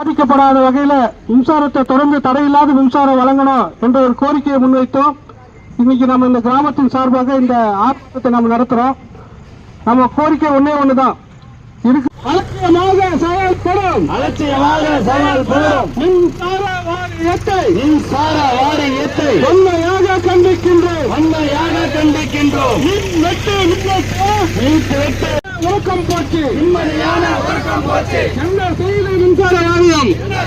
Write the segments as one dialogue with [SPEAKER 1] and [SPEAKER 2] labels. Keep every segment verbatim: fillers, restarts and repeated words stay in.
[SPEAKER 1] பாதிக்கப்படாத வகையில மின்சாரத்தை தொடர்ந்து தடையில்லாத மின்சாரம் வழங்கணும் என்ற ஒரு கோரிக்கையை முன்வைத்தோம். இன்னைக்கு நம்ம இந்த கிராமத்தின் சார்பாக இந்த ஆர்ப்பாட்டத்தை நம்ம நடத்துறோம். நம்ம கோரிக்கை ஒன்னே ஒண்ணுதான், அலட்சியமாக செயல்படும்
[SPEAKER 2] அலட்சியமாக செயல்படும்
[SPEAKER 1] மின்சார வாரியத்தை
[SPEAKER 2] மின்சார வாரியத்தை
[SPEAKER 1] வன்மையாக கண்டிக்கின்றோம்
[SPEAKER 2] வன்மையாக கண்டிக்கின்றோம்.
[SPEAKER 1] மின் வெட்டு
[SPEAKER 2] மின் வெட்டு
[SPEAKER 1] உறக்கம் போச்சு,
[SPEAKER 2] நிம்மதியான உறக்கம் போச்சு.
[SPEAKER 1] என்ன செய்த மின்சார வாரியம்,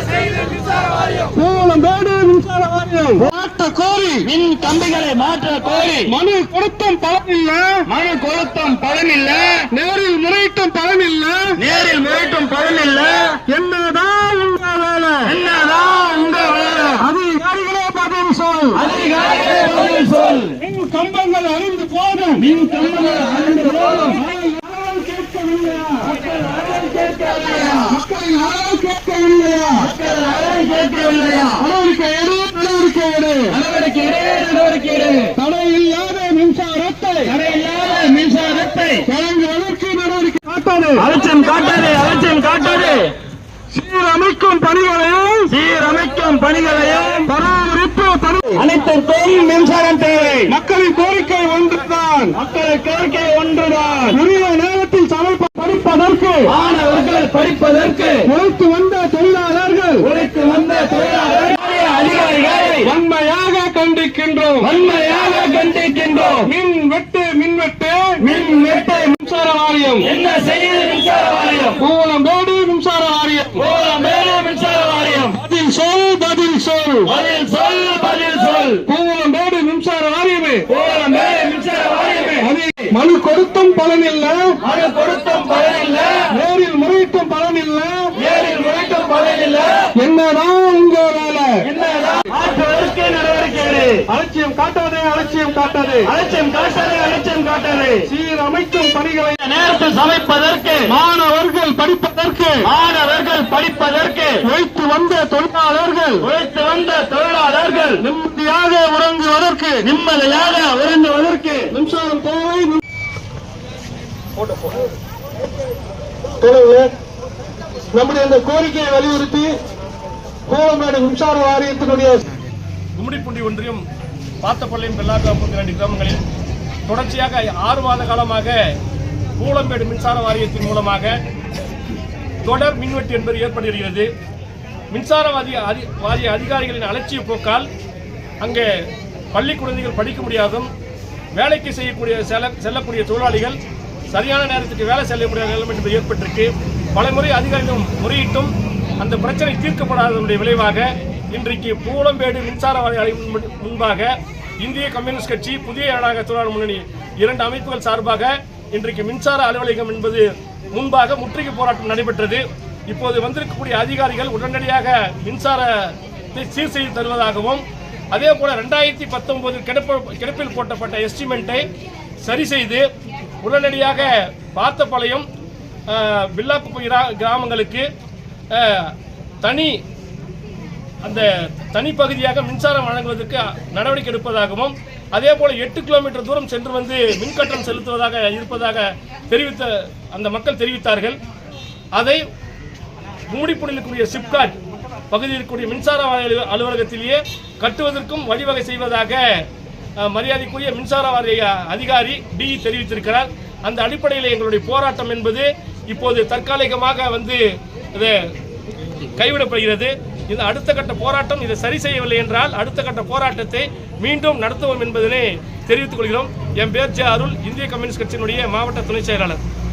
[SPEAKER 1] கோலம்பேடு மின்சார வாரியம் மாற்ற கோரி
[SPEAKER 2] மின் கம்பிகளை மாற்ற கோரி
[SPEAKER 1] மனு கொடுத்தும் பலனில்ல,
[SPEAKER 2] மனு கொடுத்தும் பலனில்ல,
[SPEAKER 1] நேரில் முறையிட்டும் பலனில்ல,
[SPEAKER 2] நேரில் முறையிட்டும் பலனில்ல.
[SPEAKER 1] என்னதான் உங்க வேலை,
[SPEAKER 2] என்னதான் உங்க வேலை?
[SPEAKER 1] அதிகாரிகளே பதில் சொல்,
[SPEAKER 2] அதிகாரிகளே பதில் சொல்.
[SPEAKER 1] மின் கம்பங்கள் அழிந்து போதும்,
[SPEAKER 2] மின் கம்பங்கள் அழிந்து போதும்.
[SPEAKER 1] கேட்கவில்லையா,
[SPEAKER 2] மக்கள் யாரும் கேட்கவில்லையா?
[SPEAKER 1] மக்கள் யாரும் கேட்கவில்லையா,
[SPEAKER 2] மக்கள் யாரும் கேட்கவில்லையா?
[SPEAKER 1] நடவடிக்கை எடு, நடவடிக்கை எடு,
[SPEAKER 2] நடவடிக்கை எடு, நடவடிக்கை எடு.
[SPEAKER 1] தடை இல்லாத மின்சாரத்தை
[SPEAKER 2] தடை இல்லாத மின்சாரத்தை
[SPEAKER 1] வழங்குவதற்கு நடவடிக்கை காட்டாது,
[SPEAKER 2] அலட்சியம் காட்டாதே, அலட்சியம் காட்டாதே.
[SPEAKER 1] சீரமைக்கும் பணிகளையும்
[SPEAKER 2] சீரமைக்கும் பணிகளையும்
[SPEAKER 1] பராமரிப்பு பணி
[SPEAKER 2] அனைத்திற்கும் மின்சாரம் தேவை.
[SPEAKER 1] மக்களின் கோரிக்கை ஒன்றுதான்,
[SPEAKER 2] மக்கள் கோரிக்கை ஒன்றுதான்.
[SPEAKER 1] உரிய நேரத்தில் சமைப்ப படிப்பதற்கு
[SPEAKER 2] மாணவர்கள் படிப்பதற்கு
[SPEAKER 1] உழைத்து வந்த தொழிலாளர்கள்
[SPEAKER 2] உழைத்து வந்த தொழிலாளர் அதிகாரிகளை
[SPEAKER 1] வன்மையாக கண்டிக்கின்றோம்,
[SPEAKER 2] வன்மையாக கண்டிக்கின்றோம்.
[SPEAKER 1] மின் வெட்டு மின் வெட்டு
[SPEAKER 2] மின் வெட்டு
[SPEAKER 1] மின்சார வாரியம்
[SPEAKER 2] என்ன செய்யுது மின்சார வாரியம்?
[SPEAKER 1] கோலம்பேடு மின்சார வாரியம்
[SPEAKER 2] கோலம்பேடு மின்சார வாரியம்
[SPEAKER 1] பதில் சொல், பதில் சொல்,
[SPEAKER 2] பதில் சொல், பதில் சொல்.
[SPEAKER 1] கோலம்பேடு மின்சார வாரியமே
[SPEAKER 2] கோலம்பேடு மின்சார வாரியமே
[SPEAKER 1] அது மனு கொடுத்தும் பலனில்ல,
[SPEAKER 2] மனு கொடுத்தும் பலனில்ல,
[SPEAKER 1] நேரில் முறையிட்டும் பலனில்ல,
[SPEAKER 2] நேரில் முறைக்கும் பலனில்ல.
[SPEAKER 1] என்னதான் உங்க வேலை,
[SPEAKER 2] என்னதான் மாற்றுவதற்கு நடவடிக்கை எடு.
[SPEAKER 1] அலட்சியம் காட்டாதே, அலட்சியம் காட்டாதே,
[SPEAKER 2] அலட்சியம் காட்டாதே, அலட்சியம் காட்டாதே.
[SPEAKER 1] சீரமைக்கும் பணிகளை
[SPEAKER 2] நேரத்தில் சமைப்பதற்கு
[SPEAKER 1] மாணவர்கள் படிப்பதற்கு
[SPEAKER 2] மாணவர்கள் படிப்பதற்கு
[SPEAKER 1] உழைத்து வந்த தொழிலாளர்கள்
[SPEAKER 2] உழைத்து வந்த தொழிலாளர்கள்
[SPEAKER 1] நிம்மதியாக உறங்குவதற்கு
[SPEAKER 2] நிம்மதியாக உறங்குவதற்கு
[SPEAKER 1] மின்சாரம் தேவை. தொடர்ந்து நம்முடைய இந்த கோரிக்கையை வலியுறுத்தி கோலம்பேடு மின்சார வாரியத்தினுடைய
[SPEAKER 3] கும்மிடிப்பூண்டி ஒன்றியம் பாத்தப்பள்ளியும் பெல்லாக்காப்பு ரெண்டு கிராமங்களில் தொடர்ச்சியாக ஆறு மாத காலமாக கோலம்பேடு மின்சார வாரியத்தின் மூலமாக தொடர் மின்வெட்டு என்பது ஏற்படுகிறது. மின்சார வாரிய அதிகாரிகளின் அலட்சிய போக்கால் அங்கே பள்ளி குழந்தைகள் படிக்க முடியாதும், வேலைக்கு செய்யக்கூடிய செல்ல செல்லக்கூடிய தொழிலாளிகள் சரியான நேரத்துக்கு வேலை செல்ல முடியாத நிலைமை என்பது ஏற்பட்டிருக்கு. பல முறை அதிகாரிகளும் முறையிட்டும் அந்த பிரச்சனை தீர்க்கப்படாததனுடைய விளைவாக இன்றைக்கு கோலம்பேடு மின்சார வாரிய முன்பாக இந்திய கம்யூனிஸ்ட் கட்சி, புதிய ஜனநாயக தொழிலாளர் முன்னணி இரண்டு அமைப்புகள் சார்பாக இன்றைக்கு மின்சார அலுவலகம் என்பது முன்பாக முற்றுகை போராட்டம் நடைபெற்றது. இப்போது வந்திருக்கக்கூடிய அதிகாரிகள் உடனடியாக மின்சாரத்தை சீர் செய்து தருவதாகவும், அதே போல ரெண்டாயிரத்தி பத்தொன்பது கிடப்பில் போட்டப்பட்ட எஸ்டிமெண்ட்டை சரி செய்து உடனடியாக பாத்தப்பாளையம் வில்லாக்குப்பை கிராமங்களுக்கு தனி அந்த தனிப்பகுதியாக மின்சாரம் வழங்குவதற்கு நடவடிக்கை எடுப்பதாகவும், அதே போல எட்டு கிலோமீட்டர் தூரம் சென்று வந்து மின்கட்டணம் செலுத்துவதாக இருப்பதாக தெரிவித்த அந்த மக்கள் தெரிவித்தார்கள். அதை கும்மிடிப்பூண்டியில் சிப்காட் பகுதியில் இருக்கக்கூடிய மின்சார அலுவலகத்திலேயே கட்டுவதற்கும் வழிவகை செய்வதாக மரியாதைக்குரிய மின்சார வாரிய அதிகாரி டி தெரிவித்திருக்கிறார். அந்த அடிப்படையில் எங்களுடைய போராட்டம் என்பது இப்போது தற்காலிகமாக வந்து இது கைவிடப்படுகிறது. இந்த அடுத்த கட்ட போராட்டம் இதை சரி செய்யவில்லை என்றால் அடுத்த கட்ட போராட்டத்தை மீண்டும் நடத்துவோம் என்பதனை தெரிவித்துக் கொள்கிறோம். என் பேர் ஜே அருள், இந்திய கம்யூனிஸ்ட் கட்சியினுடைய மாவட்ட துணை செயலாளர்.